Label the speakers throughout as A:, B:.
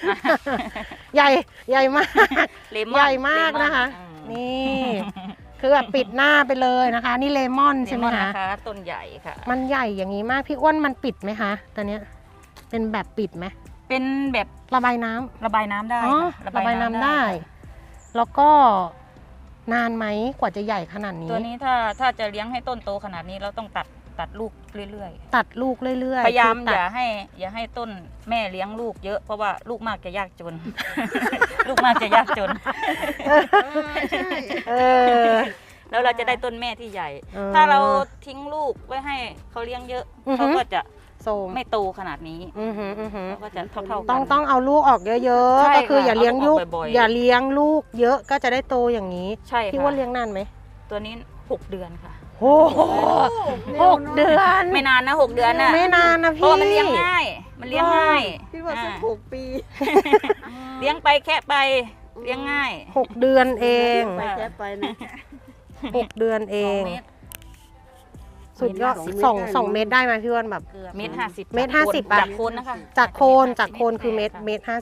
A: ใหญ่มาก
B: เลมอน
A: ใหญ่มาก
B: เลมอน
A: นะคะ
B: อืม
A: นี่คือแบบปิดหน้าไปเลยนะคะ นี่เลมอน
B: เล
A: ใช่ไหม
B: มอน
A: คะ
B: นะคะต้นใหญ่ค่ะ
A: มันใหญ่อย่างนี้มากพี่อ้วนมันปิดไหมคะตอนเนี้ยเป็นแบบปิดไหม
B: เป็นแบบ
A: ระบายน้ำ
B: ระบายน้ำได้
A: อ๋อ
B: ค่ะ
A: ระบายน้ำได้
B: ค่ะ
A: แล้วก็นานไหมกว่าจะใหญ่ขนาดนี้
B: ตัวนี้ถ้าจะเลี้ยงให้ต้นโตขนาดนี้เราต้องตัดลูกเรื่อย
A: ตัดลูกเรื่อย
B: ๆ พยายาม
A: คือ
B: อ
A: ตัด
B: ย่าให้ต้นแม่เลี้ยงลูกเยอะเพราะว่าลูกมากจะยากจน ลูกมากจะยากจน
A: เออ
B: แล้วเราจะได้ต้นแม่ที่ใหญ่
A: เออ
B: ถ้าเราทิ้งลูกไว้ให้เขาเลี้ยงเยอะ
A: อือฮึ
B: เขาก็จะ
A: โซม
B: ไม่โตขนาดนี้
A: อือหืออือหือ
B: เขาก็จะเท่าๆกัน
A: ต้องเอาลูกออกเยอะ
B: ใช่
A: ๆก็คือ
B: ค่ะ
A: อย่าเลี้ยงลูก
B: เอาลูกออกบ่อยๆ
A: อย่าเลี้ยงลูกเยอะก็จะได้โตอย่างนี้
B: ใช่
A: พี่
B: ค่ะ
A: ว่าเลี้ยงนานไหม
B: ตัวนี้6 เดือนค่ะ
A: โอ้โห6 เดือน
B: ไม่นานนะ6 เดือนน่ะ
A: ไม่นานนะ
B: เพ
A: พี่
B: ราะมันเลี้ยงง่ายมันเลี้ยงง่าย
C: พี่ว่าสัก
B: อ่า
C: 6 ปี
B: เลี้ยงไปแค่ไปเลี้ยงง่าย
A: 6 เดือนเอง
C: ไปแค่ไปนะ
A: 6 เดือนเอง
B: 2 เมตร
A: สุดยอด 2 เมตรได้ไหมพี่อ้วนแบบ
B: เมตร50
A: เมตร50
B: จากโคนนะคะ
A: จากโคนคือเมตร
B: ค่ะ
A: เมตร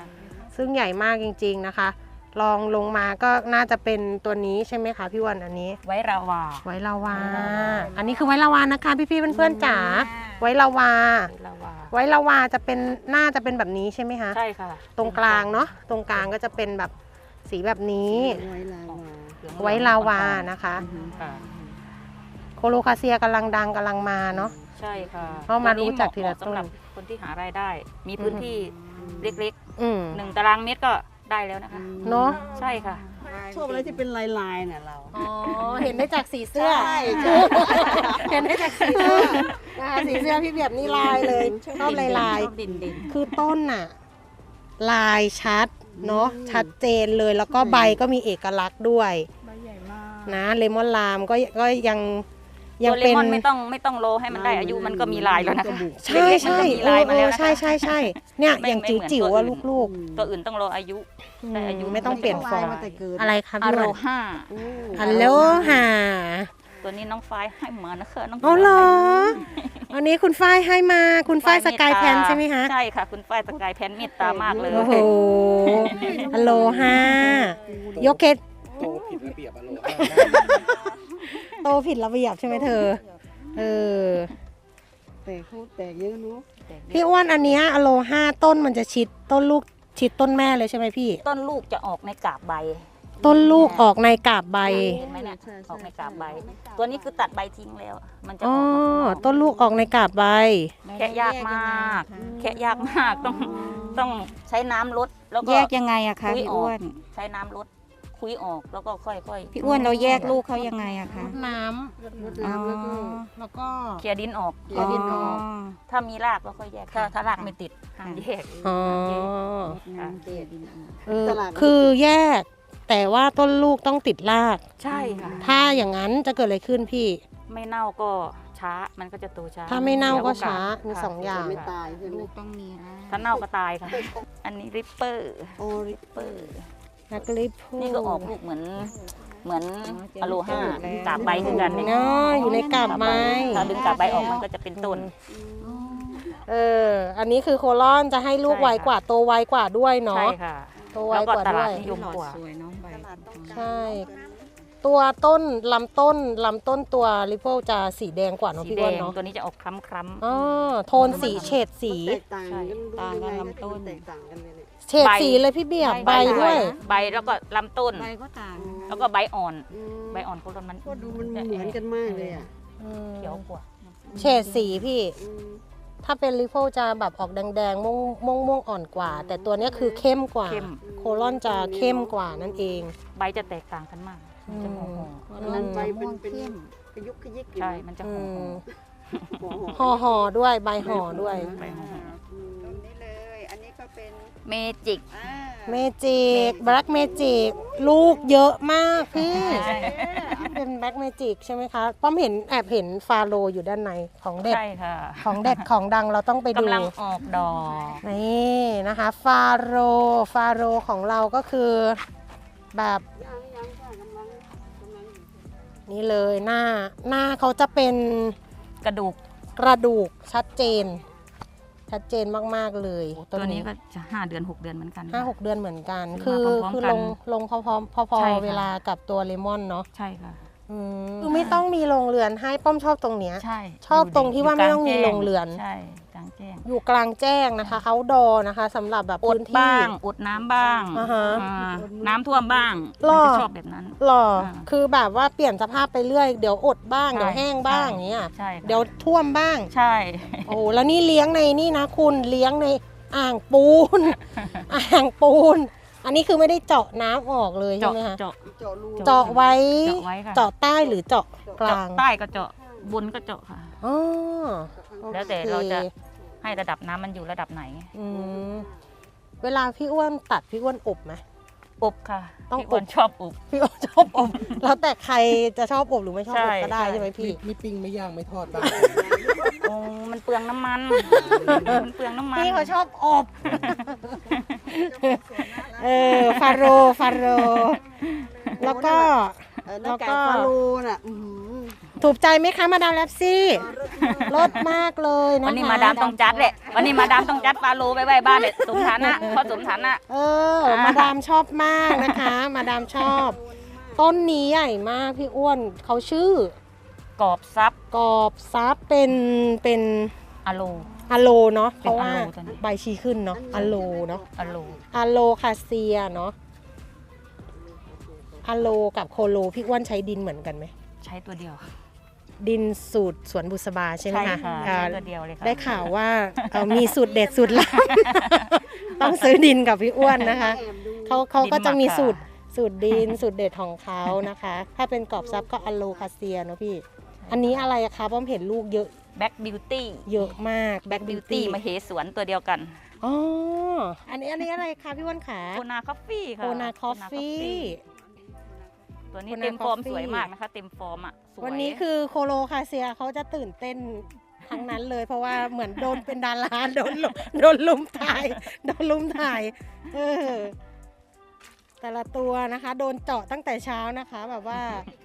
A: 50 ซึ่งใหญ่มากจริงๆนะคะ ลองลงมาก็น่าจะเป็นตัวนี้ใช่ไหมคะพี่อ้วนอันนี้
B: ไว้ราวา
A: ไว้ลาวา อันนี้คือไว้ลาวานะคะพี่ๆเพื่อนๆจ๋าไว้ลาวา
B: ไว้ราวา
A: ไว้ลาวาจะเป็นน่าจะเป็นแบบนี้ใช่ไหมคะ
B: ใช่ค่ะ
A: ตรงกลางเนาะตรงกลางก็จะเป็นแบบสีแบบนี้
C: ไว้ลาวา
A: ไว้ลาวานะคะ
B: ค่ะ
A: โคโลคาเซียกำลังดังกำลังมาเนาะ
B: ใช่ค่ะ
A: เอามารู้จักทีละต้น
B: สำหรับคนที่หารายได้ มีพื้นที่เล็ก
A: อืม
B: ๆ1 ตารางเมตรก็ได้แล้วนะคะ
A: เนาะ
B: ใช่ค่ะ
C: ชอบอะไรที่เป็นลายๆน่ะเรา
A: อ๋อเห็นได้จากสีเสื้อ
C: ใช่
A: เห็นได้จากสีเสื้อนะคะสีเสื้อพี่เบียบนี่ลายเลยชอบลาย
B: ชอบดิน
A: ๆคือต้นน่ะลายชัดเนาะชัดเจนเลยแล้วก็ใบก็มีเอกลักษณ์ด้วย
C: ใบใหญ่มาก
A: นะเลมอนลามก็ยัง
B: ตัวเล
A: เป็น
B: มอนไม่ต้องรอให้มันได้อายุมันก็มีลายแล้วนะคะ
A: ใช่ใช่
B: เล็กๆมันก็มีลายมาแล้วนะคะ
A: ใช่เนี่ย
B: ไม่
A: อย่าง
B: ไม่เหมือน
A: จิ๋วๆว่า
B: ตัวอื่น
A: ลูก
B: ตัวอื่นต้องรออายุ
A: ๆ
B: แต่อายุ
A: ไม่ต้องเปลี่ยนฟอร์ม
C: มาแต่เกิด
A: อะไรคะ
B: อา
A: พี่
B: โร
A: วัน
B: ห้า
A: ฮัลโหลฮะ
B: ตัวนี้น้องฝ้ายให้มานะคะน้อง
A: อ๋อเหรออันนี้คุณฝ้ายให้มาคุณฝ้ายสกายแพนใช่ไหมคะ
B: ใช่ค่ะ คุณฝ้ายสกายแพนเมตตามากเลย
A: โอ้โหฮัลโหลฮะยกเกต
D: โตผิดระเบียบอารมณ์
A: โตผิดระเบียบใช่ไหมเธอเออ
C: แต่เขาแตกเยอะเนาะ
A: พี่อ้วนอันเนี้ยอโลห้าต้นมันจะชิดต้นลูกชิดต้นแม่เลยใช่ไหมพี่
B: ต้นลูกจะออกในกาบใบ
A: ต้นลูกออกในกาบใบ
B: เห็นไหมเนี่ยออกในกาบใบ ตัวนี้คือตัดใบทิ้งแล้ว มันจะอ
A: อ๋อ
B: อกมาข้างนอก
A: ต้นลูกออกในกาบใบ
B: แค่ยากมาก แค่ยากมากต้องใช้น้ำลดแล้วก็
E: แยกยังไงอะคะ
B: คุย
E: พี่
B: ออก
E: อ้วน
B: ใช้น้ำลดคุยออกแล้วก็ค่อยๆ
E: พี่อ้วนเราแยกลูกเขายังไงอะคะ
A: น้
C: รดน้ำแล้วก็
A: ำแล้วก็
B: เคลียร์ดินออก
C: เคลียร์ดินออก
B: ถ้ามีรากเราค่อยแยกถ้ารากไม่ติดห้ามแยก
A: อ๋อ
C: น้ำเกลี่ยดินออก
A: เออ
C: ตลาด
A: คือแยก แต่ว่าต้นลูกต้องติดราก
B: ใช่ค่ะ
A: ถ้าอย่างนั้นจะเกิดอะไรขึ้นพี่
B: ไม่เน่าก็ช้ามันก็จะโตช้า
A: ถ้าไม่เน่าก็
B: สียโอกส
A: ช้ามี
B: ค่ะ
A: สองอย่าง
C: ไม่ตายใช่ไหม
E: ลูกต้องมีนะ
B: ถ้าเน่าก็ตายค่ะ อันนี้ริปเปอร์
C: โอ้ริ
B: เปอร์
A: นักลิป
B: นี่ก็ออกลูกเหมือนอะโลห้ากาบใบคือกัน
A: เนาะอยู่ในกาบไม้
B: ถ้าดึงกาบใบออกมันก็จะเป็นต้น
A: เออ อันนี้คือโคลอนจะให้ลูก
B: ใช่
A: ไว
B: ค่ะ
A: กว่าโตไวกว่าด้วย
B: ใช่
A: เนาะ
B: ค่ะ
A: โตไว
B: แล้วก็
A: กว่า
B: ต
A: ด้
B: ลาด
A: วย
B: นิยมกว่า
E: สวยเน้องใบ
A: ใช่ ตัวต้นลำต้นตัวริโพจะสีแดงกว่าเนาะ
B: สี
A: พี่
B: แด
A: อ้วน
B: ง
A: เนาะ
B: ตัวนี้จะออกคล้ำ
A: อ๋อโทนสีเฉดสี
C: แตกต่างกัน
E: ต่างกันลำต้น
C: แตกต่างกันเลยเนี่ย
A: เฉดสีเลยพี่เบียบ
B: ๆ
A: ใบด้วย
B: ใบแล้วก็ลำต้น
E: ใบก็ต่าง
B: แล้วก็ใบอ่อน
C: อืม
B: ใบอ่อนโคลอนมัน
C: ก็ดูมันเหมือนกันมากเลยอ่ะ
B: เขียวกว่า
A: เฉดสีพี่
C: อืม
A: ถ้าเป็นริโพจะแบบออกแดงๆม่วงอ่อนกว่า แต่ตัวเนี้ยคือเข้มกว่า
B: เข้ม
A: โคลอนจะเข้มกว่านั่นเอง
B: ใบจะแตกต่างกันมากมันจะหอม
C: อันนั้นใบเป็นกระยุกกระยิก
B: ๆใช่ มันจะหอม
A: ห่อด้วยใบห่อด้วย
B: ใบหอม
C: ตรงนี้เลย อันนี้ก็เป็น
B: เมจิก
A: เมจิกแบล็กเมจิกลูกเยอะมากพี่เป็นแบล็กเมจิกใช่ไหมคะป้อมแอบเห็นฟาโรอยู่ด้านในของเด็ด
B: ใช่ค่ะ
A: ของเด็ดของดังเราต้องไปดู
B: กำลังออกดอก
A: นี่นะคะฟาโรของเราก็คือแบบนี่เลยหน้าเขาจะเป็น
B: กระดูก
A: กระดูกชัดเจนชัดเจนมากๆเลย
B: ตัวนี้ก็จะ5 เดือน 6 เดือนเหมือนกัน
A: 5-6 เดือนเหมือนกัน
B: ซื้
A: คือ
B: อมาพร้อมๆ
A: คือ
B: กัน
A: ลงพอ
B: ใช่ค่ะ
A: เวลากับตัวเลมอนเนาะ
B: ใช่ค่ะ
A: คือไม่ต้องมีโรงเรือนให้ป้อมชอบตรงเนี้ย
B: ใช่
A: ชอบตรงที่ว่าไม่ต้องมีโรงเรือน
B: ใช่กลางแจ้ง
A: อยู่กลางแจ้งนะคะเขาดอนะคะสำหรับแบบ
B: อด
A: พื้นที่
B: บ้างอดน้ำบ้าง
A: อ่าฮะ
B: น้ำท่วมบ้าง
A: หรอ
B: มันจะชอบแบบนั้น
A: หรอ
B: อ่า
A: คือแบบว่าเปลี่ยนสภาพไปเรื่อยเดี๋ยวอดบ้าง
B: ใช่
A: เดี๋ยวแห้งบ้าง
B: ใช่
A: อย่างเงี้ย
B: ใช่ค่ะ
A: เดี๋ยวท่วมบ้าง
B: ใช่
A: โอ้แล้วนี่เลี้ยงในนี่นะคุณเลี้ยงในอ่างปูน อ่างปูน อันนี้คือไม่ได้เจาะน้ำออกเลยใช่
B: เจาะ
A: ไหมคะ
B: เจาะ
C: เจาะรู
A: เจาะไว้
B: เจาะไว้ค่ะ
A: เจาะใต้หรือเจาะกลาง
B: ใต้ก็เจาะบนก็เจาะค่ะ
A: อ๋อ
B: แล้วแต่
A: โอค
B: เราจะให้ระดับน้ำมันอยู่ระดับไหน
A: อืมเวลาพี่อ้วนตัดพี่อ้วนอบไหม
B: อบค่ะ
A: ต้อง
B: พี่อ้วน
A: อบ
B: ชอบอบ
A: พี่อ้วนชอบอบ แล้วแต่ใครจะชอบอบหรือไม่ชอบอบ
B: ใช่
A: ก็ได้
B: ใช่
A: ใช่ไหมพี่
D: ไม่ปิ้งไม่ย่างไม่ทอดบ้าง
B: โอ้มันเปลืองน้ำมัน มันเปลืองน้ำมัน
A: พี่เขาชอบอบ ฟาโรแล้วก็
C: หน้าไก่ฟาโลน่ะอื้อหือ
A: ถูกใจไหมคะมาดามแลปซี่รสมากเลยนะคะ
B: วันนี้มาดามต้องจัดแหละวันนี้มาดามต้องจัดปลาโลไปไว้บ้านเนี่ยสมฐานะพอสมฐานะ
A: มาดามชอบมากนะคะ มาดามชอบ ต้นนี้ใหญ่มากพี่อ้วนเขาชื่อก
B: รอบซับ
A: กอบซับเป็น
B: อะโล
A: อะโลเนาะเพ
B: เป็น
A: ราะว่า
B: อะโลตัวนี้
A: ใบชี้ขึ้นเนาะอะโลเนาะ
B: อะโล
A: อะโลคาเซียเนาะอะโลกับโคโลพี่อ้วนใช้ดินเหมือนกันไหม
B: ใช้ตัวเดียว
A: ดินสูตรสวนบุษบาใช่ไหม
B: ใช่
A: คะ
B: ค่ะ
A: อ่า
B: ใช้ตัวเดียวเลยค่ะ
A: ได้ข่าวว่ามีสูตรเด็ดสูตรลับ ต้องซื้อดินกับพี่อ้วนนะคะเขาก็จะมีสูตรดินสูตรเด็ดของเขานะคะ ถ้าเป็นกรอบซับก็อะโลคาเซียเนาะพี่ อันนี้อะไรอะคะป้อมเห็นลูกเยอะ
B: แบ็กบิวตี้
A: เยอะมากแบ็กบิ
B: บิ
A: ว
B: วตี้
A: ตี้
B: มาเหสวนตัวเดียวกัน
A: อ๋ออันนี้อะไรคะพี่อ้วนขา
B: โคนาคอฟฟี่ค่ะ
A: โคนาคอฟฟี่
B: ตัวนี้
A: Kona
B: เต็มฟอร์ม
A: Coffee
B: สวยมากนะคะ เต็มฟอร์มอ่ะสวย
A: วันนี้คือโคโลคาเซียเขาจะตื่นเต้นทั้งนั้นเลย เพราะว่าเหมือนโดนเป็นดาราโดนลุมถ่ายเออแต่ละตัวนะคะ โดนเจาะตั้งแต่เช้านะคะแบบว่า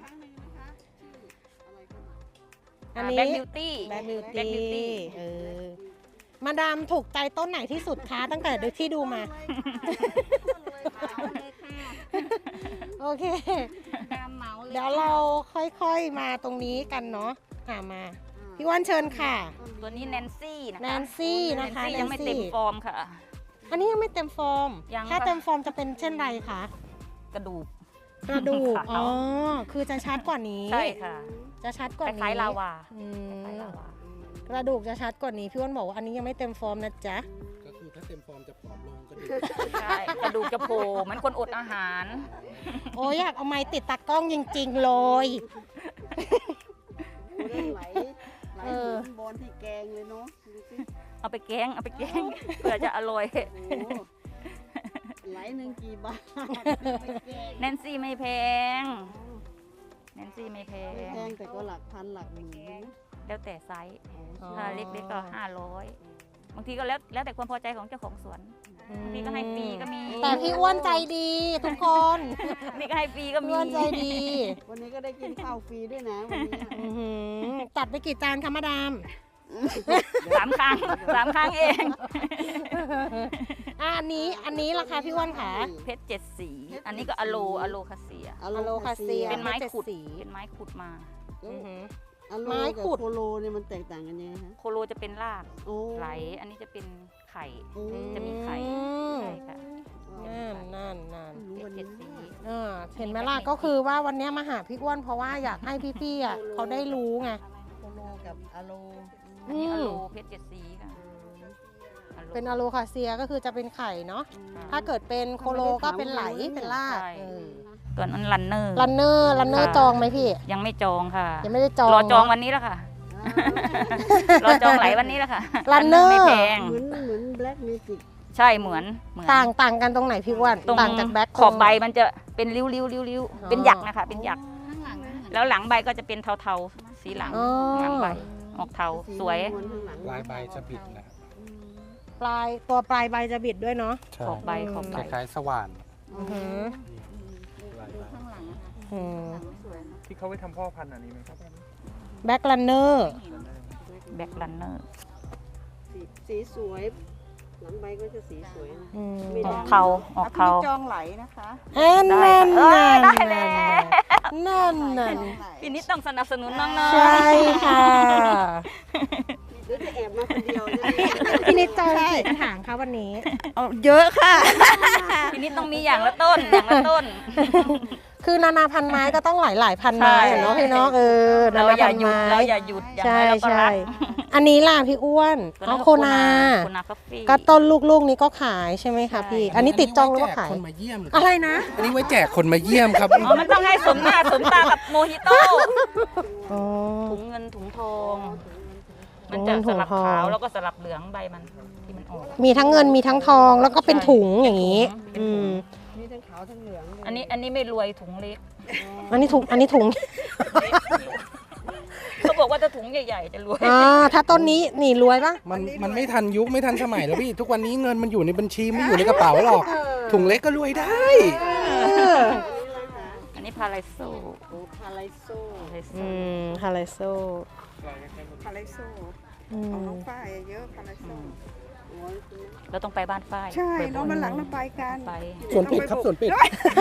A: อันนี้
B: แบ็กบิวตี้
A: แบ็กบิวตี้มาดามถูกใจต้นไหนที่สุดคะตั้งแต่ที่ดูมา โอเค เดี๋ยวเราค่อยๆมาตรงนี้กันเนาะมา พี่ว่านเชิญค่ะ
B: ตัวนี้แนนซี่นะคะ
A: แนนซี่นะคะ
B: แนนซี่ยังไม่
A: แนนซี่
B: เต็มฟอร์มค่ะ
A: อันนี้ยังไม่เต็มฟอร์ม
B: ยัง
A: ถ้า
B: ค่ะ
A: เต็มฟอร์มจะเป็นเช่นไรคะ
B: กระดูก
A: กระดูก
B: ขาว
A: อ๋อ คือจะชัดกว่านี้
B: ใช่ค่ะ
A: จะชัดกว่า
B: ค
A: นี้
B: ล้ายๆลาวา
A: อืม
B: คล้ายๆลาวาก
A: ระดูกจะชัดกว่านี้ พี่ว่านบอกว่าอันนี้ยังไม่เต็มฟอร์มนะจ๊ะ
D: ก็คือถ้าเต็มฟอร์มจะผอมลงกระดูก
B: ใช่กระดูกจะโผล่เหมือนคนอดอาหาร
A: โอ้ยอยากเอาไม้ติดตากล้องจริงๆเลย
C: ไหล
A: เออ
C: บอลที่แกงเลยเนาะดูสิ
B: เอาไปแกงเพื่อจะอร่อย
C: โอ้โหไหลหนึ่งกี่บาท
B: แนนซี่ไม่แพงแนนซี่ไม่แพง
C: แพงแต่ก็หลักพันหลักหมื่นนะ
B: แล้วแต่ไซส์
A: อ๋อ
B: ถ้าเล็กๆก็500บางทีก็แล้วแต่ความพอใจของเจ้าของสวนบางทีก็ให้ฟรีก็มี
A: แต่พี่อ้วนใจดีทุกคน
B: นี่ก็ให้ฟรีก็
A: พี่
B: มี
A: อ้วนใจดี
C: วันนี้ก็ได้กินข้าวฟรีด้วยนะวันนี้
A: อื้อหือตัดไปกี่จานคะมาดาม
B: 3 ครั้งเอง
A: อันนี้ราคาพี่อ้วนค่ะ
B: เพชร7 สีอันนี้ก็อะโลคาเซีย
C: อะ
A: อะโลคาเซีย
B: เป็นไม้ขุด
A: เพชร
B: เป็นไม้ขุดมา
A: อือหือ
C: อะโล
A: ไม้
C: กับ
A: ขุด
C: โคโลเนี่ยมันแตกต่างกันยังไงฮะ
B: โคโลจะเป็นราก
C: โอ้
B: ไหล อันนี้จะเป็นไข่
C: โอ้
B: จะมีไข่ ใช่ค่ะ
A: นั่น
B: เพชร7 สี
A: เห็นไหมล่ะก็คือว่าวันนี้มาหาพี่อ้วนเพราะว่าอยากให้พี่ๆอ่ะเขาได้รู้ไง
C: โคโลกับอะโล
B: อันนี้อะโลเพชร7 สีค่ะ
A: เป็นอะโลคาเซียก็คือจะเป็นไข่เนาะถ้าเกิดเป็นโคโลก็เป็นไหลเป็นราก
B: ใช่ตัวนั้นรันเนอร์
A: รันเนอร์จองไหมพี่
B: ยังไม่จองค่ะ
A: ยังไม่ได้จอง
B: รอจอง
A: เนะ
B: วันนี้แล้วค่ะ รอจองไหลวันนี้แล้วค่ะ
A: Runner
B: ไม่แพง
C: เหมือนแบล็กเมจิก
B: ใช่เหมือน
A: ต่างกันตรงไหนพี่อ้วน
B: ตรง
A: ต่างจากแบ็ค
B: ขอบใบมันจะเป็นริ้ว
A: อ๋อ
B: เป็นหยักนะคะ เป็นหยัก แล้วหลังใบก็จะเป็นเทาๆ สีหลัง
A: อ๋อ
B: หลังใบออกเทาสวย
C: ม้นข้างหลัง
D: ปลายใบจะบิดนะ
A: ตัวปลายใบจะบิดด้วยเนาะ
D: ใช่
B: ขอบใบขอบ
D: ค
B: ใบ
D: ล้ายๆสว่าน
A: อือหือ
D: ปลายใบ
A: อืม
F: ที่เขาไปทำพ่อพันธุ์อันนี้ไหมครับ
A: แบ็ครันเนอร์
B: แบ็ครันเนอร์
C: สีสีสวยหลังใบก็จะสีสวยนะ
A: อืม
C: ไม่
B: อ
C: ได้
B: อกเทาออกเทา
E: จองไหลนะคะ
A: นั่น
B: ได้แล้ว
A: นั่น
B: ปีนี้ต้องสนับสนุนน้อง
A: ใช่ค่ะ
C: เดี๋ยวจะแอบมาคนเดียวจะได้
A: พี่นิดจองกี่กระถางคะวันนี้
E: เยอะค่ะ
B: ๆปีนี้ต้องมีอย่างละต้นอย่างละต้น
A: คือนานาพันไม้ก็ต้องหลายพันไม้อะเนาะพี่เนาะนา
B: เรา
A: นา
B: อย่า
A: พัน
B: หยุด
A: ไม้
B: เราอย่าหยุดอย่าง
A: ใช่
B: ไรเราก็
A: ใช่
B: รัก
A: อันนี้ล่ะพี่อ้วน
B: ตัว
A: อ๋อ
B: นั้น
A: โคนา
B: โคนาคาเฟ่
A: ก็ต้นลูกๆนี้ก็ขายใช่ไหมคะพี่ อันนี้ติดจองหรือว่าขาย
D: ไว้แจกคนมาเยี่ยม
A: อะไรนะ
D: อันนี้ไว้แจกคนมาเยี่ยมครับ
B: อ๋อมันต้องให้สมหน้าสมตากับโมฮิโต้
A: อ๋อ
B: ถุงเงินถุงทอง
A: ถุ
B: มัน
A: งเงิ
B: จะ
A: น
B: ส
A: ถุง
B: ลับ
A: ทอง
B: ขาวแล้วก็สลับเหลืองใบมันที่มันออก
A: มีทั้งเงินมีทั้งทองแล้วก็เป็นถุงอย่างนี้
B: เป็นถุง
C: มีทั้งขาวทั้งเหลืองเลย
B: อันนี้ไม่รวยถุงเล็ก
A: อันนี้ถุง
B: เขาบอกว่าถ้าถุงใหญ่ๆจะรวย
A: อ่าถ้าต้นนี้นี่รวยปะ
D: มันไม่ทันยุคไม่ทันสมัยแล้วพี่ ทุกวันนี้เงินมันอยู่ในบัญชีไม่อยู่ในกระเป๋าหรอก ถุงเล็กก็รวยได้
B: อันนี้พาราโซ
C: โอ้พาไลโซ
A: ฮาไลโซ
E: พาราโซ
A: อื
E: ของ
A: ม
E: น้องฝ้ายเยอะพาราโซ
C: โอ้ยคุณ
B: เราต้องไปบ้านฝ้าย
E: ใช่
B: บ่ยๆ
E: น้องมันหลังเราไปกัน
B: ไป
D: สวนปิดครับสวนปิด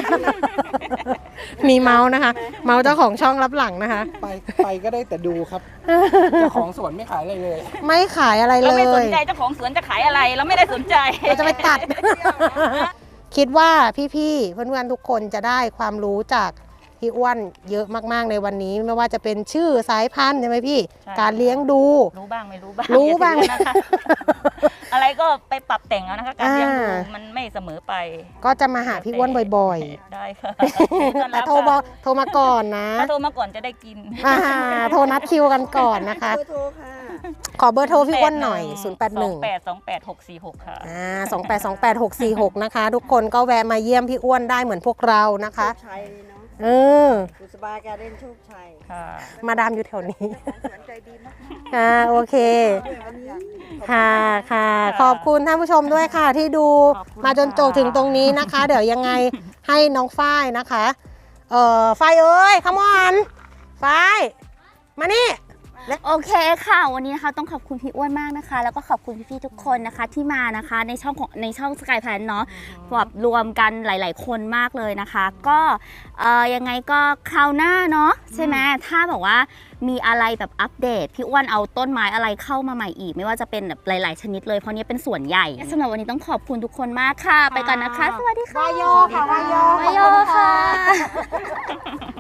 A: มีเมาส์นะคะ เมาส์เจ้าของช่องรับหลังนะคะ
D: ไปก็ได้แต่ดูครับ เจ้าของสวนไม่ขายอะไรเลย
A: ไม่ขายอะไร
B: เรา
A: เล
B: ไม่สน
A: ย
B: ใจเจ้าของสวนจะขายอะไร เราไม่ได้สนใจ
A: เราจะไปตัด คิดว่าพี่ๆเพื่อนๆทุกคนจะได้ความรู้จากพี่อ้วนเยอะมากๆในวันนี้ ไม่ว่าจะเป็นชื่อสายพันธุ์ใช่ไหมพี่
B: ใช่
A: การเลี้ยงดู
B: รู้บ้างไม่รู้บ้าง
A: รู้บ้าง
B: อย่ถือนะคะ อะไรก็ไปปรับแต่งเอานะคะ การเลี้ยงดู
A: อ่า
B: มันไม่เสมอไป
A: ก็จะมาหาพี่อ้วนบ่อย
B: ได้ค่ะ
A: ๆ แต่โทรมาก่อนนะ
B: ถ้าโทรมาก่อนจะได้กิน
A: โทรนัดคิวกันก่อนนะคะ
C: เบอร์โทรค่ะ
A: ขอเบอร์โทรพี่อ้วนหน่อย
B: 28282646 ค่ะ
A: 28282646 นะคะ ทุกคนก็แวะมาเยี่ยมพี่อ้วนได้เหมือนพวกเรานะคะ
C: โชคชัยเนาะ
A: เออ
C: บุษบาการเด่นโชคชัย
B: ค่ะ
A: มาดามอยู่แถวนี้
E: สวนใจดีมาก
A: โอเค
C: วันนี้
A: ค่ะค่ะ ขอบคุณท่านผู้ชมด้วยค่ะที่ดู
B: ขอบคุณ
A: มาจนจบถึงตรงนี้นะคะ เดี๋ยวยังไงให้น้องฝ้ายนะคะฝ้ายเอ้ยขมอนฝ้ายมานี่
G: โอเคค่ะ วันนี้นะคะต้องขอบคุณพี่อ้วนมากนะคะ แล้วก็ขอบคุณพี่ๆทุกคนนะคะที่มานะคะในช่องสกายแพลนเนาะแบบรวมกันหลายๆคนมากเลยนะคะ ก็ยังไงก็คราวหน้าเนาะใช่ไหมถ้าแบบว่ามีอะไรแบบอัปเดตพี่อ้วนเอาต้นไม้อะไรเข้ามาใหม่อีก ไม่ว่าจะเป็นแบบหลายๆชนิดเลยเพราะนี้เป็นส่วนใหญ่สำหรับวันนี้ต้องขอบคุณทุกคนมากค่ะ ไปก่อนนะคะ สวัสดีค่ะ
A: วายโยค่ะวายโย
G: วายโยค่ะ